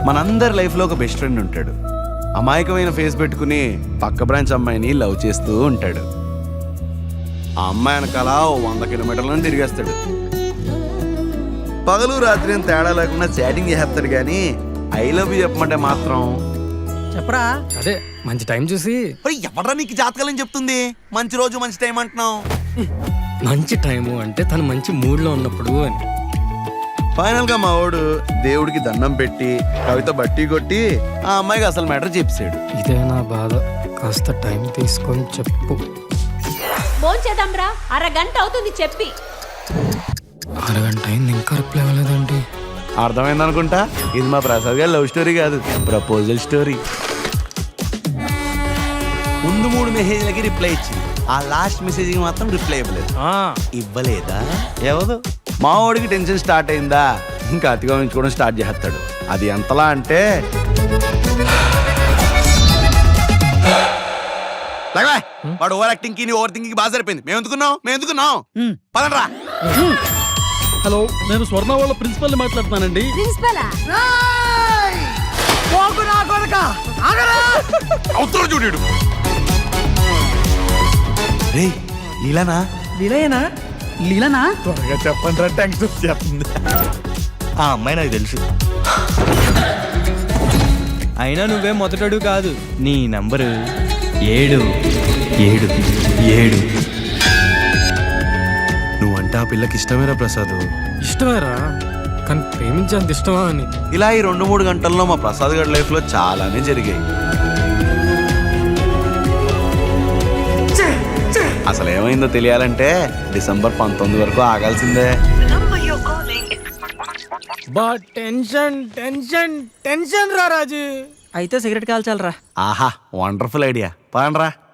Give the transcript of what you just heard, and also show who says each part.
Speaker 1: మనందరి లైఫ్లో ఒక బెస్ట్ ఫ్రెండ్ ఉంటాడు. అమాయకమైన ఫేస్ పెట్టుకుని పక్క బ్రాంచ్ అమ్మాయిని లవ్ చేస్తూ ఉంటాడు. ఆ అమ్మాయి వెనకాల 100 కిలోమీటర్లను తిరిగేస్తాడు. పగలు రాత్రి అని తేడా లేకుండా చాటింగ్ చేస్తాడు, కానీ ఐ లవ్ యూ చెప్పమంటే మాత్రం
Speaker 2: చెప్పరా.
Speaker 3: అదే మంచి టైం చూసి.
Speaker 1: ఎవడరా నీకు జాతకాలని చెప్తుంది? మంచి రోజు మంచి టైం అంటున్నావు.
Speaker 3: మంచి టైము అంటే తను మంచి మూడ్లో ఉన్నప్పుడు అని.
Speaker 1: ఫైనల్ గా మా వాడు దేవుడికి దండం పెట్టి కవిత బట్టి కొట్టి ఆ అమ్మాయికి అసలు మ్యాటర్ చెప్పాడు.
Speaker 3: ఇదే నా బాధ, కాస్త టైం తీసుకొని చెప్పు.
Speaker 4: భోంచేద్దాంరా, అరగంట అవుతుంది చెప్పి.
Speaker 3: అరగంట అయింది ఇంకా రిప్లై అవ్వలేదండి.
Speaker 1: అర్థమైంది అనుకుంటా. ఇది మా ప్రసాద్ గారి లవ్ స్టోరీ కాదు, ప్రపోజల్ స్టోరీ. ముందు 3 మెసేజ్లకి రిప్లై ఇచ్చింది, ఆ లాస్ట్ మెసేజ్ కి మాత్రం రిప్లై ఇవ్వలేదు. ఇవ్వలేదా? ఎవరు? మా వాడికి టెన్షన్ స్టార్ట్ అయిందా, ఇంకా అతిగా ఉంచుకోవడం స్టార్ట్ చేస్తాడు. అది ఎంతలా అంటే వాడు ఓవర్ యాక్టింగ్ కి ఓవర్ థింకింగ్ బాగా సరిపోయింది. మేము ఎందుకున్నాం పదండ్రా.
Speaker 2: హలో, నేను స్వర్ణ వాళ్ళ ప్రిన్సిపల్ ని మాట్లాడుతున్నానండి.
Speaker 1: చూడు రే, లీలానా?
Speaker 2: లీలానా?
Speaker 1: త్వరగా చెప్పండి రా, టెన్షన్ చెప్తుంది.
Speaker 5: ఆ అమ్మాయి నాకు తెలుసు. అయినా నువ్వే మొదటడు కాదు. నీ నంబరు 777.
Speaker 1: నువ్వంటే ఆ పిల్లకి ఇష్టమేరా ప్రసాద్?
Speaker 3: ఇష్టమేరా, కానీ ప్రేమించేంత ఇష్టమా అని.
Speaker 1: ఇలా ఈ 2-3 గంటల్లో మా ప్రసాద్ గారి లైఫ్ లో చాలానే జరిగాయి. అసలు ఏమైందో తెలియాలంటే డిసెంబర్ 19 వరకు ఆగాల్సిందే.
Speaker 3: బా టెన్షన్ టెన్షన్ టెన్షన్ రా రాజు.
Speaker 2: అయితే సిగరెట్ కాల్చాలరా.
Speaker 1: ఆహా, వండర్ఫుల్ ఐడియా. పదండ్రా.